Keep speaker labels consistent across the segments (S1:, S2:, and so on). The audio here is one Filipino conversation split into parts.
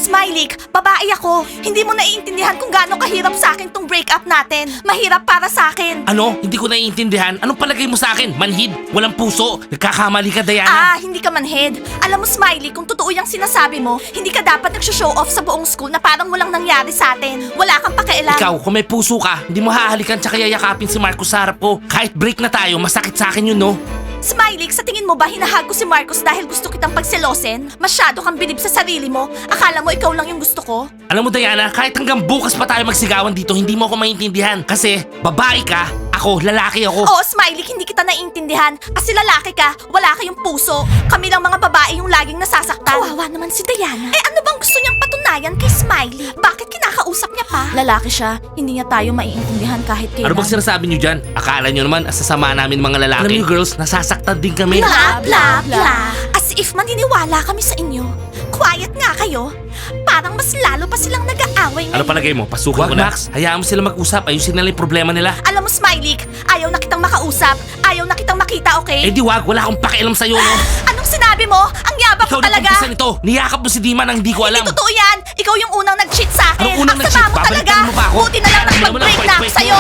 S1: Smiley, babae ako. Hindi mo naiintindihan kung gaano kahirap sa akin tong breakup natin. Mahirap para sa akin.
S2: Ano? Hindi ko naiintindihan. Anong palagay mo sa akin? Manhid? Walang puso? Nagkakamali ka, Diana.
S1: Hindi ka manhead. Alam mo, Smiley, kung totoo yung sinasabi mo, hindi ka dapat nagsho-show off sa buong school na parang walang nangyari sa atin. Wala kang pakialam.
S2: Ikaw, kung may puso ka, hindi mo hahalikan tsaka yayakapin si Marcos sa harap ko. Kahit break na tayo, masakit sa akin yun, no?
S1: Smiley, sa tingin mo ba hinahag ko si Marcos dahil gusto kitang pagselosin? Masyado kang bilib sa sarili mo. Akala mo ikaw lang yung gusto ko?
S2: Alam mo, Diana, kahit hanggang bukas pa tayo magsigawan dito, hindi mo ako maintindihan. Kasi, babae ka, ako, lalaki ako.
S1: Oo, Smiley, hindi kita naiintindihan. Kasi lalaki ka, wala kayong puso. Kami lang mga babae yung laging nasasaktan. Kawawa naman si Diana. Ano bang gusto niyang patunayan kay Smiley? Bakit kinakausap niya pa? Lalaki siya, hindi niya tayo maiintindihan kahit kailan.
S2: Ano bang sinasabi niyo dyan? Akala niyo naman, asasama namin mga lalaki. Alam niyo, girls, nasasaktan din kami.
S1: Bla bla bla. As if maniniwala kami sa inyo. Quiet nga kayo. Parang mas lalo pa silang nag-aaway
S2: Ano
S1: ngayon.
S2: palagay mo? Pasukin ko na. Max, hayaan mo sila mag-usap. Ayusin nila yung problema nila.
S1: Alam mo, Smiley, ayaw na kitang makausap. Ayaw na kitang makita, okay?
S2: Eh di wag, wala akong pakialam sa'yo, no?
S1: Anong sinabi mo? Ang yabang
S2: Ikaw
S1: mo talaga.
S2: nag-umpisa nito. Niyakap mo si Dima nang hindi ko alam.
S1: Hindi totoo yan. Ikaw yung unang nag-cheat sa akin.
S2: Anong unang
S1: Ang
S2: nag-cheat?
S1: sama mo talaga.
S2: Babalikan mo pa ako?
S1: Buti na lang
S2: Alam mo naman
S1: nakipag-break
S2: ang
S1: na ako
S2: kwek-kwek
S1: sa'yo.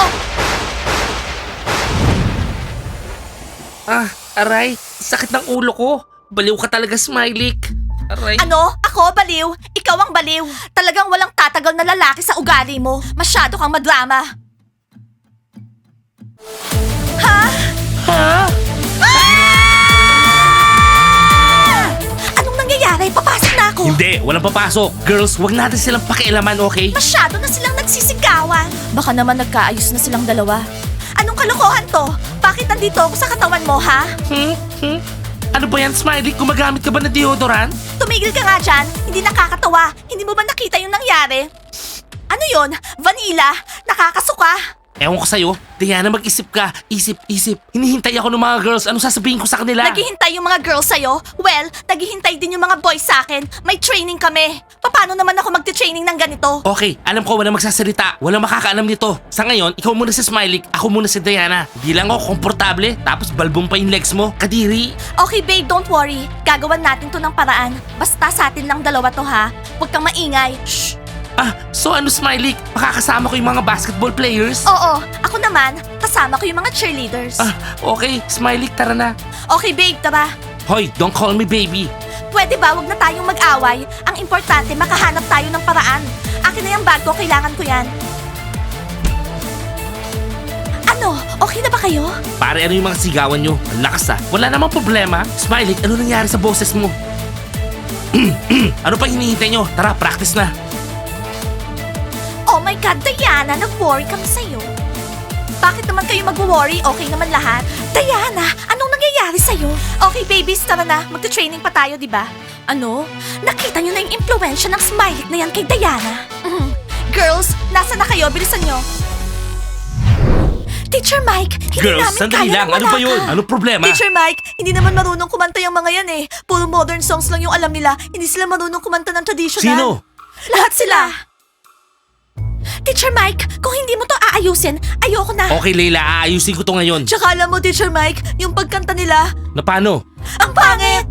S2: Aray, sakit ng ulo ko. Baliw ka talaga, Smiley. Aray.
S1: Ano? Ako, baliw? Ikaw ang baliw. Talagang walang tatagal na lalaki sa ugali mo. Masyado kang madrama. Ha?
S2: Ha?
S1: Anong nangyayari? Papasok na ako.
S2: Hindi, walang papasok. Girls, wag natin silang pakialaman, okay?
S1: Masyado na silang nagsisigawan. Baka naman nagkaayos na silang dalawa. Anong kalokohan to? Bakit nandito ako sa katawan mo, ha?
S2: Ano ba yan, Smiley? Gumagamit ka ba ng deodorant?
S1: Tumigil ka nga dyan. Hindi nakakatawa. Hindi mo ba nakita yung nangyari? Ano yon? Vanilla? Nakakasuka?
S2: Ewan ko sa'yo. Diana, mag-isip ka. Isip. Hinihintay ako ng mga girls. Ano sasabihin ko sa kanila?
S1: Naghihintay yung mga girls sa'yo? Well, naghihintay din yung mga boys sa akin. May training kami. Paano naman ako magte-training ng ganito?
S2: Okay, alam ko wala magsasalita. Walang makakaalam nito. Sa ngayon, ikaw muna si Smiley. Ako muna si Diana. Hindi lang ako komportable. Tapos balbong pa yung legs mo. Kadiri.
S1: Okay babe, don't worry. Gagawan natin to ng paraan. Basta sa atin lang dalawa to ha. Huwag kang maingay. Shh!
S2: So ano, Smiley? Makakasama ko yung mga basketball players?
S1: Oo, ako naman, kasama ko yung mga cheerleaders.
S2: Okay. Smiley, tara na.
S1: Okay babe, tara.
S2: Hoy, don't call me baby.
S1: Pwede ba wag na tayong mag-away? Ang importante, makahanap tayo ng paraan. Akin na yung bag ko, kailangan ko yan. Ano? Okay na ba kayo?
S2: Pare, ano yung mga sigawan nyo? Ang lakas Wala namang problema. Smiley, ano nangyari sa boses mo? Ano pa hinihintay nyo? Tara, practice na.
S1: Oh my God, Diana, nag-worry kami sa'yo. Bakit naman kayo mag-worry? Okay naman lahat. Diana, anong nangyayari sa'yo? Okay, babies, tara na. Magta-training pa tayo, di ba? Ano? Nakita niyo na yung impluensya ng Smiley na yan kay Diana? Girls, nasa na kayo? Bilisan nyo. Teacher Mike, hindi
S2: Girls,
S1: namin
S2: sandali
S1: kaya
S2: lang.
S1: na
S2: Ano
S1: wala
S2: ba yun?
S1: ka.
S2: Ano problema?
S1: Teacher Mike, hindi naman marunong kumanta yung mga yan eh. Puro modern songs lang yung alam nila. Hindi sila marunong kumanta ng traditional.
S2: Sino?
S1: Lahat sila. Teacher Mike, kung hindi mo to aayusin, ayoko na.
S2: Okay, Leila, aayusin ko to ngayon.
S1: Tsaka alam mo, Teacher Mike, yung pagkanta nila,
S2: Na paano?
S1: ang pangit!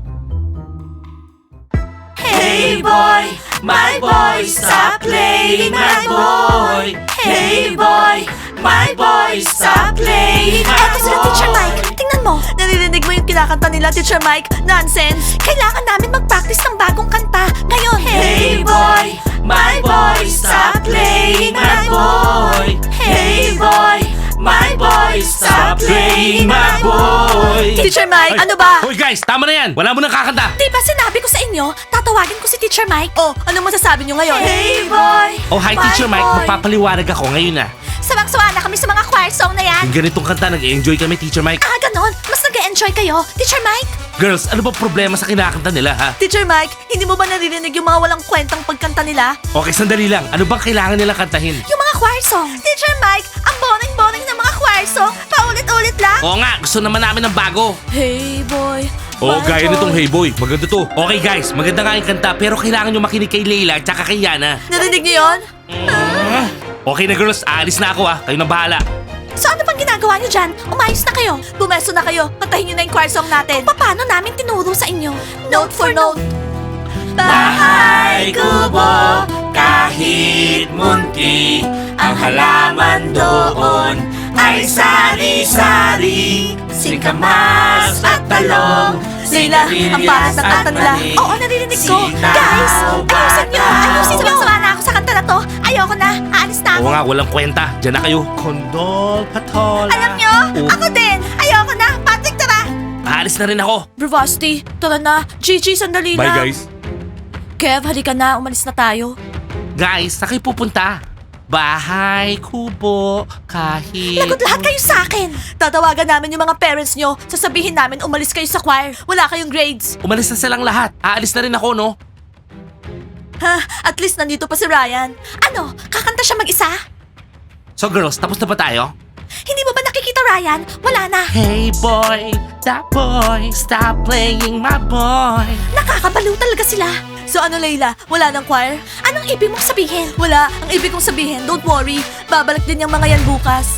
S1: Hey boy, my boy, stop playing my boy. Hey boy, my boy, stop playing my boy. Eto sila, Teacher Mike. Tingnan mo. Naririnig mo yung kinakanta nila, Teacher Mike? Nonsense. Kailangan namin mag-practice ng bagong kanta. Ngayon. Hey boy, my boy, stop playing my boy. Hey boy, my boy, stop playing my boy. Teacher Mike, ano ba?
S2: Hoy guys, tama na yan. Wala mo nang kakanta.
S1: Di ba sinabi ko sa inyo, tatawagin ko si Teacher Mike? Oh, ano masasabi niyo ngayon? Hey boy!
S2: Oh, hi Teacher Mike. Magpapaliwanag ako ngayon na.
S1: Sawang-sawa na kami sa mga choir song na yan.
S2: Yung ganitong kanta, nag-enjoy kami, Teacher Mike.
S1: Ganon. Mas nag-enjoy kayo. Teacher Mike?
S2: Girls, ano ba problema sa kinakanta nila, ha?
S1: Teacher Mike, hindi mo ba naririnig yung mga walang kwentang pagkanta nila?
S2: Okay, sandali lang. Ano bang kailangan nilang kantahin?
S1: Yung mga choir song. Teacher Mike, ang boring-boring ng mga choir song. Paulit-ulit lang.
S2: Oo nga, gusto naman namin ng bago.
S1: Hey boy.
S2: Oh,
S1: my
S2: gaya
S1: boy.
S2: nitong Hey Boy. Maganda to. Okay guys, maganda nga yung kanta pero kailangan nyo makinig kay Leila at saka kay Yana.
S1: Narinig niyo yun?
S2: Okay na girls, aalis na ako Kayo na bahala.
S1: So ano pang ginagawa niyo dyan? Umayos na kayo. Bumeso na kayo. Kantahin niyo na yung choir song natin. Kung paano namin tinuro sa inyo. Note for note. Bahay ko
S2: kahit munti. Ang halaman doon ay sari-sari. Singkamas at talong,
S1: Leila, ang bahat ng kanta nila. Oo, naririnig ko. Guys, ayusin nyo. Ayusin nyo. Sama na ako sa kanta na to. Ayoko na. Aalis na ako.
S2: Oo nga, walang kwenta. Diyan na kayo. Kondol, patola.
S1: Alam nyo, ako din. Ayoko na. Patrick, tara.
S2: Aalis na rin ako.
S1: Bravasti, tara na. Gigi, sandali
S2: Bye,
S1: lang.
S2: guys.
S1: Kev, halika na. Umalis na tayo.
S2: Guys, saan kayo pupunta? Bahay, kubo, kahit...
S1: Lagot lahat kayo sa akin. Tatawagan namin yung mga parents nyo. Sasabihin namin umalis kayo sa choir. Wala kayong grades.
S2: Umalis na silang lahat. Aalis na rin ako, no?
S1: Ha, at least nandito pa si Ryan. Ano, kakanta siya mag-isa?
S2: So girls, tapos na ba tayo?
S1: Hindi mo ba nakikita Ryan? Wala na.
S2: Hey boy, that boy, stop playing my boy.
S1: Nakakabaliw talaga sila. So ano, Layla? Wala ng choir? Anong ibig mong sabihin? Wala. Ang ibig kong sabihin, don't worry. Babalik din yung mga yan bukas.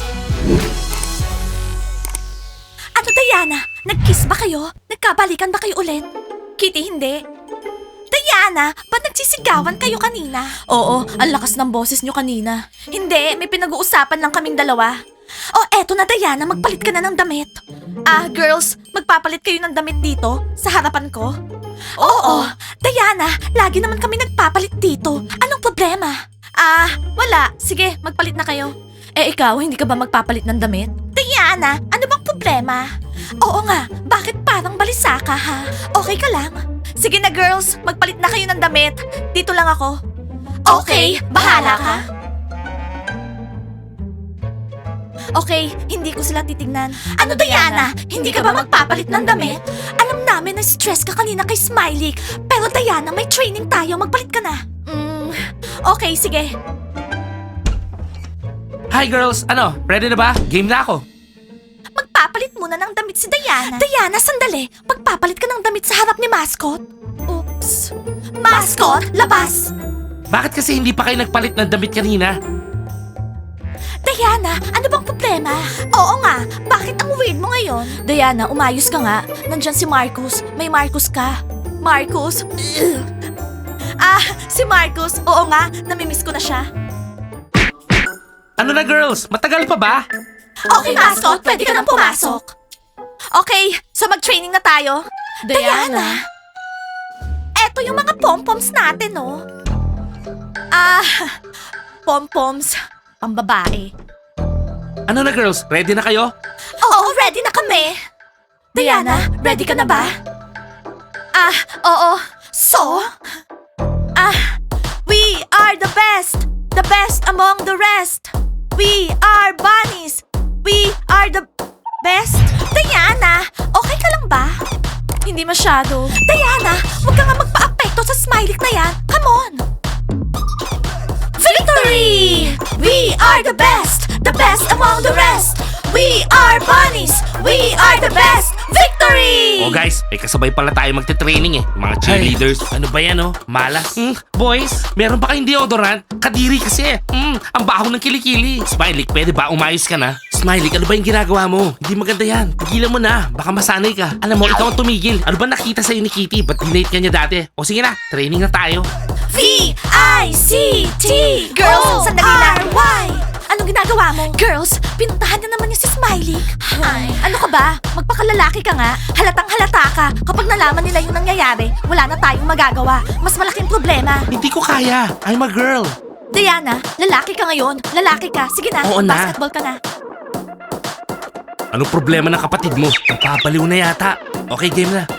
S1: Ano, Diana? Nag-kiss ba kayo? Nagkabalikan ba kayo ulit? Kitty, hindi. Diana, ba't nagsisigawan kayo kanina? Oo, ang lakas ng boses nyo kanina. Hindi, may pinag-uusapan lang kaming dalawa. Oh, eto na Diana, magpalit ka na ng damit. Girls, magpapalit kayo ng damit dito, sa harapan ko? Oo, Diana, lagi naman kami nagpapalit dito. Anong problema? Wala. Sige, magpalit na kayo. Eh ikaw, hindi ka ba magpapalit ng damit? Diana, ano bang problema? Oo nga, bakit parang balisa ka ha? Okay ka lang? Sige na girls, magpalit na kayo ng damit. Dito lang ako. Okay, bahala ka. Okay, hindi ko sila titignan. Ano Diana? Hindi ka ba magpapalit ng damit? Alam namin na stress ka kanina kay Smiley. Pero Diana, may training tayo. Magpalit ka na. Okay, sige.
S2: Hi girls, ano? Ready na ba? Game na ako.
S1: Magpapalit muna ng damit si Diana. Diana, sandali. Magpapalit ka ng damit sa harap ni Mascot. Oops. Mascot, labas!
S2: Bakit kasi hindi pa kayo nagpalit ng damit kanina?
S1: Diana, ano bang problema? Oo nga, bakit ang weird mo ngayon? Diana, umayos ka nga. Nandyan si Marcus. May Marcus ka. Marcus? Ugh. Si Marcus. Oo nga, namimiss ko na siya.
S2: Ano na girls? Matagal pa ba?
S1: Okay, Mascot, pwede ka nang pumasok. Okay, so mag-training na tayo. Diana. Eto yung mga pom-poms natin, oh. Pom-poms. Pambabae.
S2: Ano na girls? Ready na kayo?
S1: Oo, ready na kami. Diana, ready ka na ba? Oo. So? We are the best among the rest. We are bunnies. We are the best. Diana, okay ka lang ba? Hindi masyado. Diana, huwag ka nga magpa-apekto sa smiley na yan. Come on. Victory! We are the best among the rest. We are bunnies. We are the best. Victory!
S2: Oh guys, may kasabay pala tayo magte-training eh. Yung mga cheerleaders. Ano ba yan oh? Malas. Boys, meron ba kayong deodorant? Kadiri kasi. Ang baho ng kilikili. Smiley, pwede ba umayos ka na? Smiley, ano ba yung ginagawa mo? Hindi maganda yan. Pigilan mo na. Baka masanay ka. Alam mo, ikaw ang tumigil. Ano ba nakita sa'yo ni Kitty? Ba't dinate ka niya dati? O sige na, training na tayo.
S1: V-I-C-T Girls, sandali lang. R-Y Anong ginagawa mo? Girls, pinuntahan na naman niya si Smiley. Ano ka ba? Magpakalalaki ka nga. Halatang halata ka. Kapag nalaman nila yung nangyayari, wala na tayong magagawa. Mas malaking problema.
S2: Hindi ko kaya. I'm a girl.
S1: Diana, lalaki ka ngayon. Lalaki ka. Sige na,
S2: Oo na.
S1: basketball ka na.
S2: Anong problema ng kapatid mo? Napapaliw na yata. Okay, game na.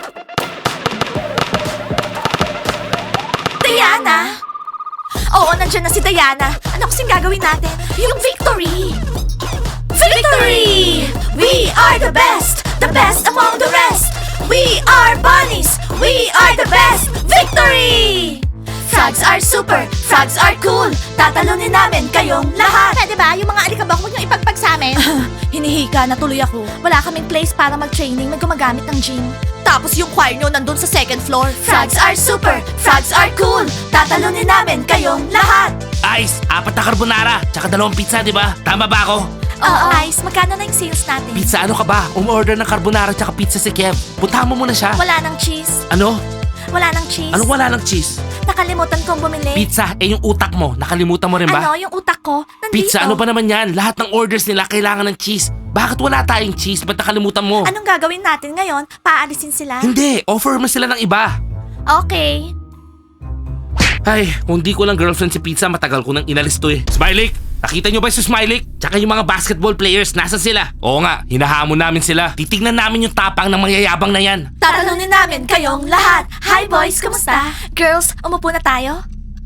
S1: Diana! Oo, nandiyan na si Diana. Ano kasing gagawin natin? Yung victory! Victory! We are the best among the rest. We are bunnies. We are the best. Victory! Frogs are super. Frogs are cool. Tatalunin namin kayong lahat. Pwede ba? Yung mga alikabok mo yung ipagpag sa amin? Hinihika na tuloy ako. Wala kaming place para mag-training. May gumagamit ng gym. Tapos yung choir nyo nandun sa second floor. Frogs are super. Frogs are cool. Tatalunin namin kayong lahat.
S2: Ice, 4 na carbonara, tsaka 2 pizza, di ba? Tama ba ako?
S1: Oo, Ice. Magkano na yung sales natin?
S2: Pizza, ano ka ba? Umorder ng carbonara tsaka pizza si Kev. Puntahan mo muna siya.
S1: Wala ng cheese.
S2: Ano?
S1: Wala nang cheese.
S2: Anong wala ng cheese?
S1: Nakalimutan kong bumili.
S2: Pizza, yung utak mo. Nakalimutan mo rin ba?
S1: Ano, yung utak ko? Nandito.
S2: Pizza, ano ba naman yan? Lahat ng orders nila kailangan ng cheese. Bakit wala tayong cheese? Ba't nakalimutan mo?
S1: Anong gagawin natin ngayon? Paalisin sila?
S2: Hindi, offer mo sila ng iba.
S1: Okay.
S2: Ay, kung di ko lang girlfriend si Pizza, matagal ko nang inalis to eh. Smiley! Nakita nyo ba si Smiley? Tsaka yung mga basketball players, nasa sila? Oo nga, hinahamon namin sila. Titignan namin yung tapang ng mayayabang na yan.
S1: Tatanungin namin kayong lahat. Hi boys, kamusta? Girls, umupo na tayo?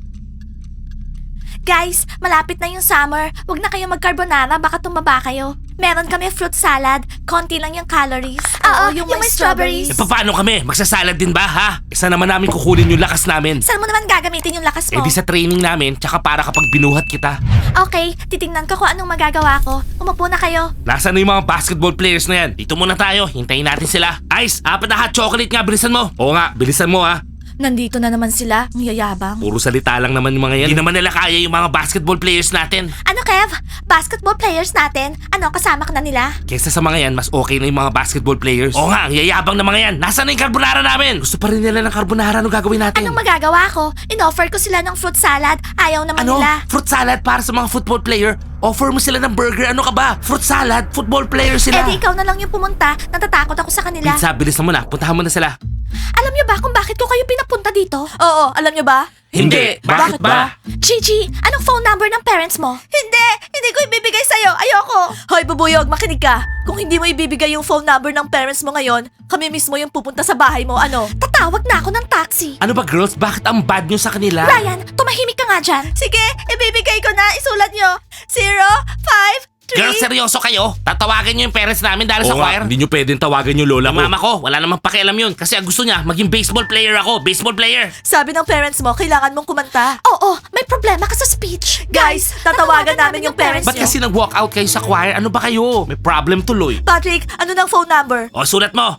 S1: Guys, malapit na yung summer. Huwag na kayong mag-carbonara, baka tumaba kayo. Meron kami fruit salad, konti lang yung calories. Oo, yung may strawberries.
S2: E paano kami? Magsasalad din ba ha? Isa naman namin kukunin yung lakas namin.
S1: Saan mo naman gagamitin yung lakas
S2: Eh
S1: mo?
S2: di sa training namin, tsaka para kapag binuhat kita.
S1: Okay, titingnan ko kung anong magagawa ko. Umupo na kayo.
S2: Nasaan na yung mga basketball players na yan? Dito muna tayo, hintayin natin sila. Ice, 4 na hot chocolate nga, bilisan mo. Oo nga, bilisan mo ha.
S1: Nandito na naman sila, ang yayabang.
S2: Puro salita lang naman yung mga yan. Hindi naman nila kaya yung mga basketball players natin.
S1: Ano Kev? Basketball players natin? Ano, kasama ka na nila?
S2: Kesa sa mga yan, mas okay na yung mga basketball players. Oo nga, ang yayabang na mga yan. Nasaan na yung carbonara namin? Gusto pa rin nila ng carbonara, ano gagawin natin?
S1: Anong magagawa ko? In-offer ko sila ng fruit salad. Ayaw naman
S2: Ano?
S1: nila.
S2: Fruit salad para sa mga football player? Offer mo sila ng burger, ano ka ba? Fruit salad, football player sila.
S1: Eh di ikaw na lang yung pumunta. Natatakot ako sa kanila.
S2: Pizza, bilisan mo na. Puntahan mo na sila.
S1: Alam niyo ba kung bakit ko kayo pinapunta dito? Oo, alam niyo ba?
S2: Hindi. Bakit ba?
S1: Gigi, anong phone number ng parents mo? Hindi ko ibibigay sa'yo. Ayoko. Hoy, bubuyog, makinig ka. Kung hindi mo ibibigay yung phone number ng parents mo ngayon, kami mismo yung pupunta sa bahay mo. Ano? Tatawag na ako ng taxi.
S2: Ano ba girls? Bakit ang bad nyo sa kanila?
S1: Ryan, tumahimik ka nga dyan. Sige, ibibigay ko na. Isulat nyo. 0, 5, 3.
S2: Girls, seryoso kayo? Tatawagan nyo yung parents namin dahil sa
S3: Oo nga,
S2: choir?
S3: hindi nyo pwedeng tawagan yung lola
S2: Yung
S3: ko.
S2: mama ko, wala namang pakialam yun. Kasi ang gusto niya, maging baseball player ako. Baseball player.
S1: Sabi ng parents mo, kailangan mong kumanta. Oo, may problema ka sa speech. Guys, tatawagan namin yung parents
S2: Ba't
S1: nyo.
S2: kasi nag-walk out kayo sa choir? Ano ba kayo? May problem tuloy.
S1: Patrick, ano ng phone number?
S2: O, sulat mo.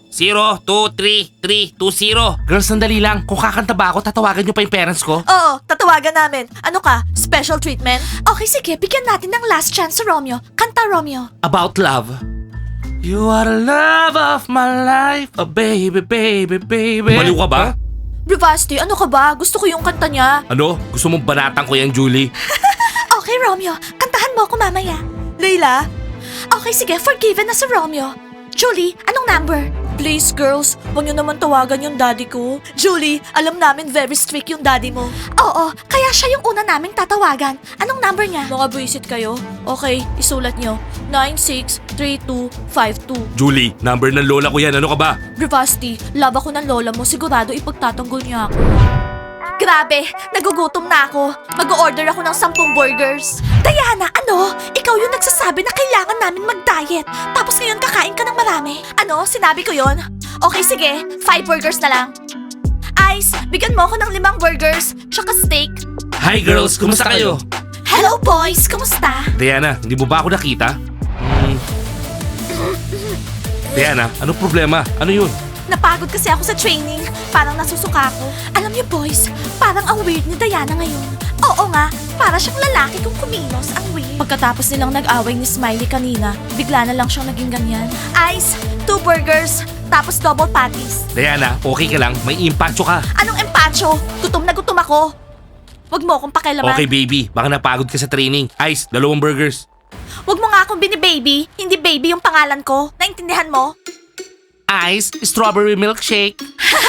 S2: 0233320. Girls, sandali lang. Kung kakanta ba ako, tatawagan nyo pa yung parents ko?
S1: Oo, tatawagan namin. Ano ka? Special treatment? Okay, sige. Bigyan natin ng last chance sa Romeo. Kanta, Romeo.
S2: About love. You are the love of my life. Oh, baby, baby, baby.
S3: Baliw ka ba?
S1: Bravasti, ano ka ba? Gusto ko yung kanta niya.
S3: Ano? Gusto mong banatan ko yan, Julie?
S1: Okay, Romeo. Kantahan mo ako mamaya. Leila? Okay, sige. Forgiven na si Romeo. Julie, anong number? Please, girls. Huwag niyo naman tawagan yung daddy ko. Julie, alam namin very strict yung daddy mo. Oo, kaya siya yung una naming tatawagan. Anong number niya? Mga buisit kayo. Okay, isulat niyo. 963252.
S3: Julie, number ng lola ko yan. Ano ka ba?
S1: Bravasti, love ako ng lola mo. Sigurado ipagtatanggol niya ako. Grabe, nagugutom na ako. Mag-order ako ng 10 burgers. Diana, ano? Ikaw yung nagsasabi na kailangan namin mag-diet. Tapos ngayon kakain ka ng marami. Ano? Sinabi ko yon? Okay, sige. 5 burgers na lang. Ice, bigyan mo ako ng 5 burgers, tsaka steak.
S2: Hi girls, kumusta kayo?
S1: Hello boys, kamusta?
S2: Diana, hindi mo ba ako nakita? Diana, ano problema? Ano yun?
S1: Napagod kasi ako sa training. Parang nasusuka ako. Alam niyo boys, parang ang weird ni Diana ngayon. Oo nga, para siyang lalaki kung kumilos. Ang weird. Pagkatapos nilang nag-away ni Smiley kanina, bigla na lang siyang naging ganyan. Ice, 2 burgers, tapos double patties.
S2: Diana, okay ka lang? May impacho ka.
S1: Anong empacho? Gutom na gutom ako. Wag mo akong pakialaman.
S2: Okay baby, baka napagod ka sa training. Ice, 2 burgers.
S1: Wag mo nga akong bini-baby. Hindi baby yung pangalan ko. Naintindihan mo?
S2: Ice, strawberry milkshake.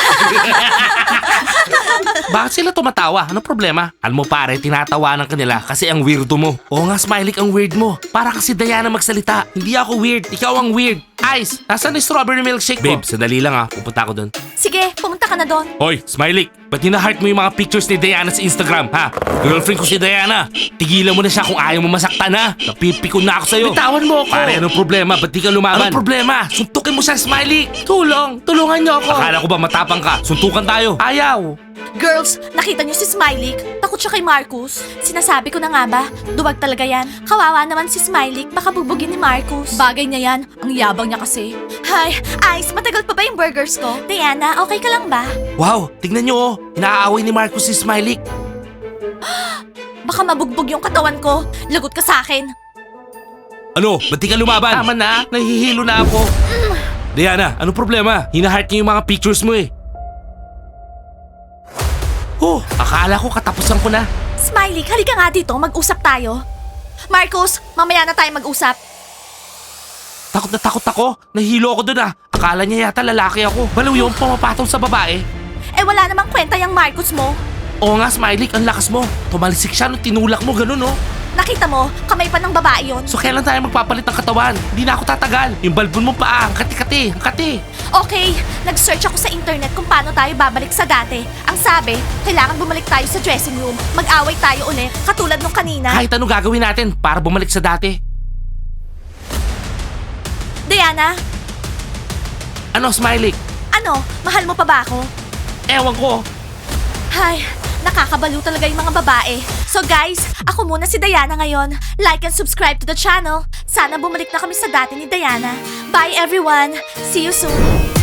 S2: Bakit sila tumatawa? Anong problema? Alam mo pare, tinatawanan ka nila kasi ang weirdo mo. Oo nga, Smiley, ang weird mo. Para kasi Diana magsalita. Hindi ako weird, ikaw ang weird. Ice, nasaan yung strawberry milkshake mo?
S3: Babe, sandali lang ha. Pupunta ako doon.
S1: Sige, pumunta ka na doon.
S2: Hoy, Smiley, ba't hina-heart mo yung mga pictures ni Diana sa Instagram, ha? Girlfriend ko si Diana. Tigilan mo na siya kung ayaw mo masaktan, ha? Napipikon na ako sa'yo. Bitawan mo ako. Pare, anong problema? Ba't di ka lumaban? Anong problema? Suntukin mo siya, Smiley. Tulungan niyo ako. Akala ko ba matapang ka? Suntukan tayo. Ayaw.
S1: Girls, nakita niyo si Smiley? Takot siya kay Marcus. Sinasabi ko na nga ba, duwag talaga yan. Kawawa naman si Smiley, baka bubugin ni Marcus. Bagay niya yan, ang yabang niya kasi. Hi, Ice, matagal pa ba yung burgers ko? Diana, okay ka lang ba?
S2: Wow, tignan niyo oh. Inaaway ni Marcus si Smiley.
S1: Baka mabugbog yung katawan ko. Lagot ka sa akin.
S3: Ano? Ba't di ka lumaban?
S2: Tama na, nahihilo na ako.
S3: Diana, ano problema?
S2: Hina-heart niya yung mga pictures mo eh. Akala ko katapusan ko na.
S1: Smiley, halika nga dito, mag-usap tayo. Marcus, mamaya na tayo mag-usap.
S2: Takot na takot ako. Nahilo ako dun ah. Akala niya yata lalaki ako. Baliw yung pumapatong sa babae.
S1: Eh wala namang kwenta yung Marcus mo.
S2: Oo nga, Smiley, ang lakas mo. Tumalisik siya nung tinulak mo, ganun oh.
S1: Nakita mo, kamay pa ng babae yon.
S2: So kailan tayo magpapalit ng katawan? Hindi na ako tatagal. Yung balbon mo pa, ang kati-kati, ang kati.
S1: Okay, nag-search ako sa internet kung paano tayo babalik sa dati. Ang sabi, kailangan bumalik tayo sa dressing room. Mag-away tayo ulit, katulad nung kanina.
S2: Kahit anong gagawin natin para bumalik sa dati.
S1: Diana,
S2: Ano, Smiley?
S1: ano, mahal mo pa ba ako?
S2: Ewan ko.
S1: Hay, nakakabalo talaga yung mga babae. So guys, ako muna si Diana ngayon. Like and subscribe to the channel. Sana bumalik na kami sa dati ni Diana. Bye everyone! See you soon!